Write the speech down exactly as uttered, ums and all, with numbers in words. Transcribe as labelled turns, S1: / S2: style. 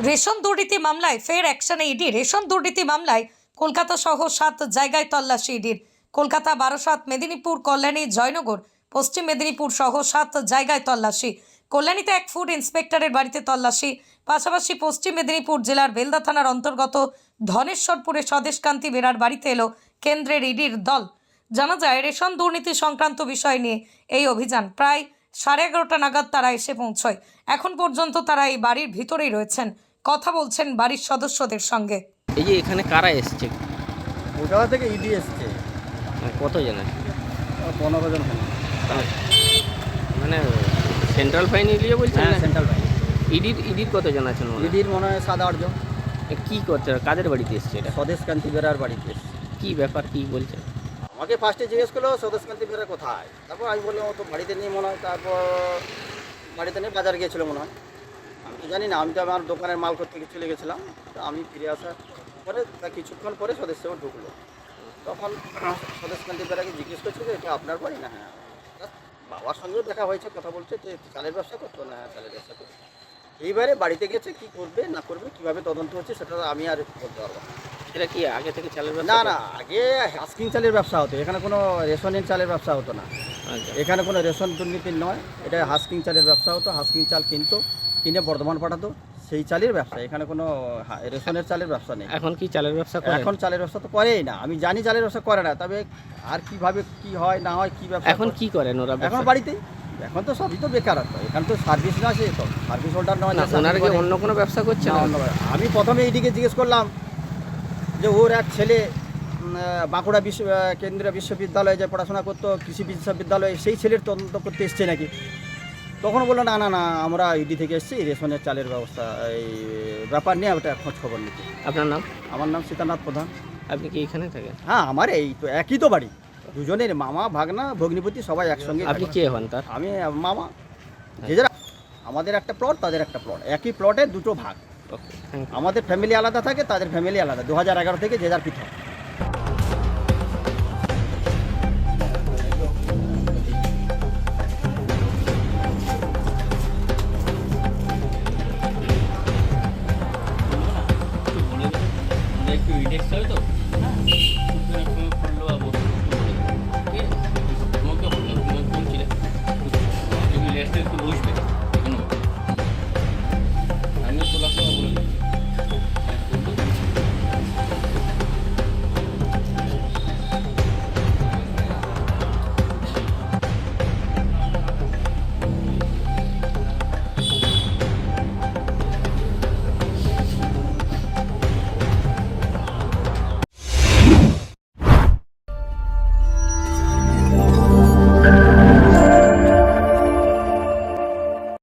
S1: Ration দুর্নীতি মামলায় ফের অ্যাকশনে ইডি। রেশন দুর্নীতি মামলায় কলকাতা সহ সাত জায়গায় তল্লাশি ইডির। কলকাতা, বারাসাত, মেদিনীপুর, কল্যাণী, জয়নগর, পশ্চিম মেদিনীপুর সহ সাত জায়গায় তল্লাশি। কল্যাণীতে এক ফুড ইন্সপেক্টরের বাড়িতে তল্লাশি। পাশাপাশি পশ্চিম মেদিনীপুর জেলার বেলদা থানার অন্তর্গত ধনেশ্বরপুরে স্বদেশকান্তি বেরার বাড়িতে এলো কেন্দ্রের ইডির দল। জানা যায়, রেশন দুর্নীতি সংক্রান্ত বিষয় নিয়ে এই অভিযান প্রায় সাড়ে এগারোটা নাগাদ তারা এসে পৌঁছয়। এখন পর্যন্ত তারা এই বাড়ির ভিতরেই রয়েছেন, কথা বলছেন বাড়ির সদস্যদের সঙ্গে।
S2: এই যে এখানে কারা এসছে?
S3: কলকাতা থেকে ইডি এসছে,
S2: মানে কতজন আছে?
S3: পনেরো জন হবে।
S2: মানে সেন্ট্রাল ফাইনালিয়ে বলছেন
S3: হ্যাঁ,
S2: না?
S3: Central bank.
S2: ইডির ইডির কতজন আছেন? মনে হয়?
S3: ইডির মনে হয় সাত আট জন।
S2: এ কি করছে? কাদের বাড়িতে এসছে এটা?
S3: স্বদেশকান্তি বেরার বাড়িতে এসছে।
S2: কি ব্যাপার, কি বলছে?
S3: আমাকে ফার্স্টে জিজ্ঞেস করলো স্বদেশকান্তি বেরা কোথায়, তারপর আমি বললাম ও তো বাড়িতে নেই মনে হয়। তারপর বাড়িতে নেই, বাজার গিয়েছিলো মনে হয়, আমি তো জানি না। আমি তো আমার দোকানের মাল করতে চলে গেছিলাম। তো আমি ফিরে আসার পরে তা কিছুক্ষণ পরে সদস্য ঢুকলো। তখন স্বদেশকান্তি বেরাকে জিজ্ঞেস করছে যে এটা আপনার বাড়ি না? হ্যাঁ। তা বাবার সঙ্গেও দেখা হয়েছে, কথা বলছে যে চালের ব্যবসা করতো না? হ্যাঁ, চালের ব্যবসা করতো। এইবারে বাড়িতে গেছে, কি করবে না করবে, কিভাবে তদন্ত হচ্ছে সেটা আমি আর বলতে পারবো না।
S2: এটা কি আগে থেকে চালের ব্যবসা
S3: না
S2: করতো?
S3: না, আগে হাস্কিং চালের ব্যবসা হতো, এখানে কোনো রেশনের চালের ব্যবসা হতো না।
S2: আচ্ছা।
S3: এখানে কোনো রেশন দুর্নীতি নয়, এটা হাস্কিং চালের ব্যবসা হতো। হাস্কিং চাল কিনতো, কিনে বর্ধমান পাঠাতো, সেই চালের ব্যবসা। এখানে কোনো হা- রেশনের চালের ব্যবসা নেই।
S2: এখন কি চালের ব্যবসা করে?
S3: এখন চালের ব্যবসা তো করেই না, আমি জানি চালের ব্যবসা করে না। তবে আর কিভাবে কি হয় না হয়, কি ব্যবসা
S2: এখন
S3: করে-
S2: কি করেন ওরা?
S3: এখন
S2: ব্যবসা?
S3: বাড়িতেই, এখন তো সবই তো বেকারত্ব। এখানে তো সার্ভিস না, আছে তো সার্ভিস হোল্ডার নয়।
S2: না,
S3: যে
S2: ওনারা
S3: service
S2: কি
S3: করে।
S2: অন্য কোনো ব্যবসা করছে
S3: না,
S2: না?
S3: অন্য ব্যবসা। আমি প্রথমে এইদিকে জিজ্ঞেস করলাম যে ওর এক ছেলে উম, আহ, বাঁকুড়া বিশ্ব আহ, কেন্দ্রীয় বিশ্ববিদ্যালয়ে যে পড়াশোনা করতো, কৃষি বিশ্ববিদ্যালয়ে, সেই ছেলের তদন্ত করতে এসছে নাকি। তখন বললো না না না, আমরা ইডি থেকে এসেছি, রেশনের চালের ব্যবস্থা এই ব্যাপার নিয়ে ওটা খোঁজ খবর নিতে।
S2: আপনার নাম?
S3: আমার নাম সীতানাথ প্রধান।
S2: আপনি কি এখানে থাকেন?
S3: হ্যাঁ, আমার এই তো একই তো বাড়ি, দুজনের মামা ভাগনা ভগ্নিপতি সবাই একসঙ্গে
S2: আপনি
S3: থাকি।
S2: কে হন তার?
S3: আমি মামা, যে যারা। আমাদের একটা প্লট, তাদের একটা প্লট, একই প্লটের দুটো ভাগ।
S2: Okay, thank you.
S3: আমাদের ফ্যামিলি আলাদা থাকে, তাদের ফ্যামিলি আলাদা। দু হাজার এগারো থেকে যে যার পৃথক।
S2: একটু ইন্ডেক্স হবে তো?